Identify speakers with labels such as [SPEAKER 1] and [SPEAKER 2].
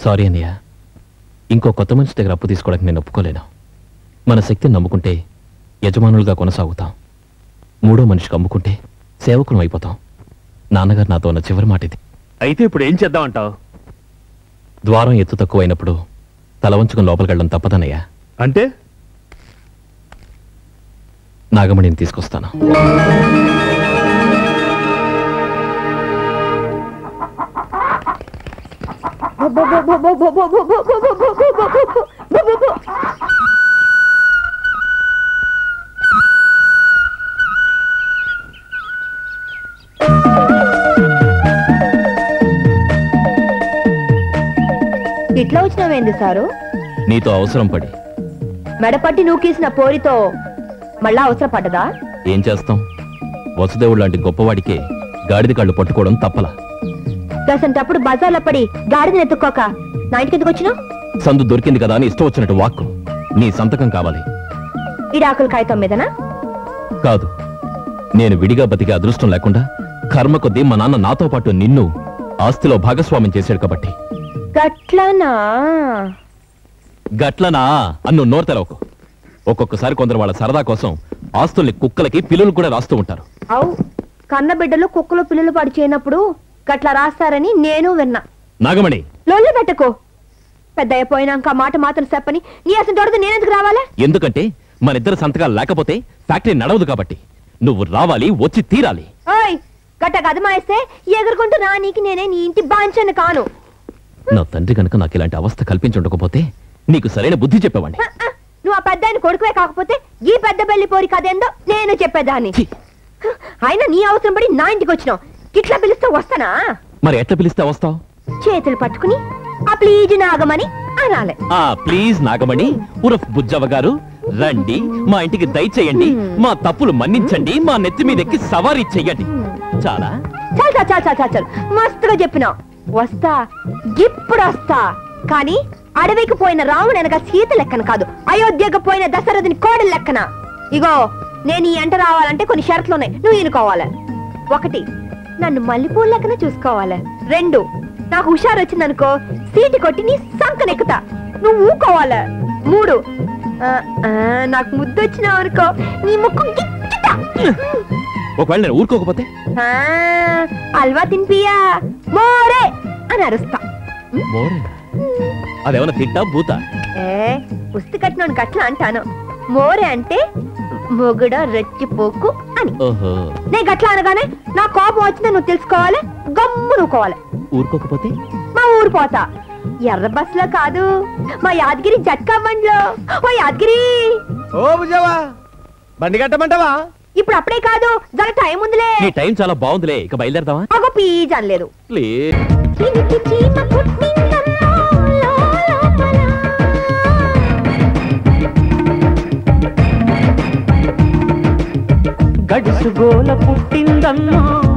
[SPEAKER 1] Sorry అన్నయ్య, ఇంకో కొత్త మనిషి దగ్గర అప్పు తీసుకోవడానికి నేను ఒప్పుకోలేను. మన శక్తిని నమ్ముకుంటే యజమానులుగా కొనసాగుతాం, మూడో మనిషికి అమ్ముకుంటే సేవకులం అయిపోతాం. నాన్నగారు నాతో ఉన్న చివరి మాట ఇది.
[SPEAKER 2] అయితే ఇప్పుడు ఏం చేద్దామంటావు?
[SPEAKER 1] ద్వారం ఎత్తు తక్కువ అయినప్పుడు తల వంచుకుని లోపలికి వెళ్ళడం తప్పదన్నయ్యా.
[SPEAKER 2] అంటే
[SPEAKER 1] నాగమణిని తీసుకొస్తాను.
[SPEAKER 3] ఇట్లా వచ్చినావేంది సారు?
[SPEAKER 1] నీతో అవసరం పడి.
[SPEAKER 3] మెడపట్టి నూకేసిన పోరితో మళ్ళా అవసరం పడ్డదా?
[SPEAKER 1] ఏం చేస్తాం, వసుదేవుడు లాంటి గొప్పవాడికే గాడిద కాళ్ళు పట్టుకోవడం తప్పలా.
[SPEAKER 3] దసంటప్పుడు బజార్లో పడి గాడిదని ఎత్తుక్కోక నా ఇంటికి ఎందుకు వచ్చినావు?
[SPEAKER 1] సందు దొరికింది కదా అని ఇష్టం వచ్చినట్టు వాక్కు. నీ సంతకం కావాలి.
[SPEAKER 3] ఇడాకుల కాగితం మీదనా?
[SPEAKER 1] కాదు, నేను విడిగా బతికే అదృష్టం లేకుండా కర్మ కొద్దీ మా నాన్న నాతో పాటు నిన్ను ఆస్తిలో భాగస్వామ్యం చేశాడు కాబట్టి.
[SPEAKER 3] గట్లనా?
[SPEAKER 1] గట్లనా అన్ను నోరు తెరవకు. ఒక్కొక్కసారి కొందరు వాళ్ళ సరదా కోసం ఆస్తుల్ని కుక్కలకి పిల్లలు కూడా రాస్తూ ఉంటారు.
[SPEAKER 3] అవు, కన్న బిడ్డలు కుక్కలు పిల్లలు పాడు చేయనప్పుడు గట్లా రాస్తారని నేను విన్నా.
[SPEAKER 1] నాగమణి,
[SPEAKER 3] లొల్లి పెట్టకు. పెద్ద అయిపోయినాక మాట మాత్రం చెప్పని నీ అసలు దొరద నేనెందుకు రావాలా?
[SPEAKER 1] ఎందుకంటే మన ఇద్దరు సంతకాలు లేకపోతే ఫ్యాక్టరీ నడవదు కాబట్టి. నువ్వు రావాలి, వచ్చి తీరాలి.
[SPEAKER 3] ఓయ్, గట్ట గదమాయిస్తే ఎగురుకుంటూ నా నీకి నేనే నీ ఇంటి బాంచను కాను.
[SPEAKER 1] నా తండ్రి కనుక నాకు ఇలాంటి అవస్థ కల్పించుండకపోతే నీకు సరైన బుద్ధి చెప్పేవాడిని.
[SPEAKER 3] నువ్వు ఆ పెద్ద ఆయన కొడుకువే కాకపోతే ఈ పెద్ద బెల్లి పోరి కదేందో నేను చెప్పేదాన్ని. అయినా నీ అవసరం పడి నా ఇంటికి వచ్చినావు. ఇట్లా పిలిస్తే వస్తానా?
[SPEAKER 1] మరి ఎట్లా పిలిస్తే వస్తావు?
[SPEAKER 3] చేతులు పట్టుకుని ఆ ప్లీజ్ నాగమని అనాలి.
[SPEAKER 1] ఆ ప్లీజ్ నాగమణి ఉరఫ్ బుజ్జవ్వ గారు రండి, మా ఇంటికి దయచేయండి, మా తప్పులు మన్నించండి, మా నెత్తి మీద ఎక్కి సవారీ చెయ్యండి. చాలా
[SPEAKER 3] చాలు చాలు చాలు చాలు చాలు మస్తుగా చెప్పినావు. వస్తా, ఇప్పుడు వస్తా. కానీ అడవికి పోయిన రాముడు అనగా సీత లెక్కన కాదు, అయోధ్యకు పోయిన దశరథుని కోడలు లెక్కన. ఇగో, నేను ఈ ఎంట రావాలంటే కొన్ని షరతులు ఉన్నాయి, నువ్వు ఎన్నుకోవాలి. 1, నన్ను మల్లెపూల లెక్కన చూసుకోవాలి. 2, నాకు హుషారు వచ్చిందనుకో సీటు కొట్టి నీ సంకనెక్కుతా, నువ్వు ఊకోవాలి. 3, నాకు ముద్దు వచ్చినావు అనుకో నీ ముక్కు గిచ్చుతా.
[SPEAKER 1] ఒకవేళ నేను ఊరుకోకపోతే
[SPEAKER 3] అల్వా తినిపియా మోరే అని అరుస్తా.
[SPEAKER 1] అదేమన్నా తిట్టా బూతా?
[SPEAKER 3] పుస్తు కట్టిన గట్లా అంటాను. మోరే అంటే మొగుడ రెచ్చిపోకు అని. నేను గట్లా అనగానే నా కోపం వచ్చిందని నువ్వు తెలుసుకోవాలి, గమ్ము నువ్వుకోవాలి.
[SPEAKER 1] ఊరుకోకపోతే
[SPEAKER 3] మా ఊరు పోతా. ఎర్ర బస్ లో కాదు, మా యాదగిరి జట్కా బండిలో. ఓ యాదగిరి,
[SPEAKER 2] ఓ బుజ్జవ్వ, బండి కట్టమంటావా?
[SPEAKER 3] ఇప్పుడు అప్పుడే కాదు, జర టైం ఉందిలే.
[SPEAKER 1] నీ టైం చాలా బాగుందిలే, ఇక బయలుదేరదామా?
[SPEAKER 3] అగో పీజ్ అనలేదు.
[SPEAKER 4] గడుసు గోల పుట్టిందమ్మా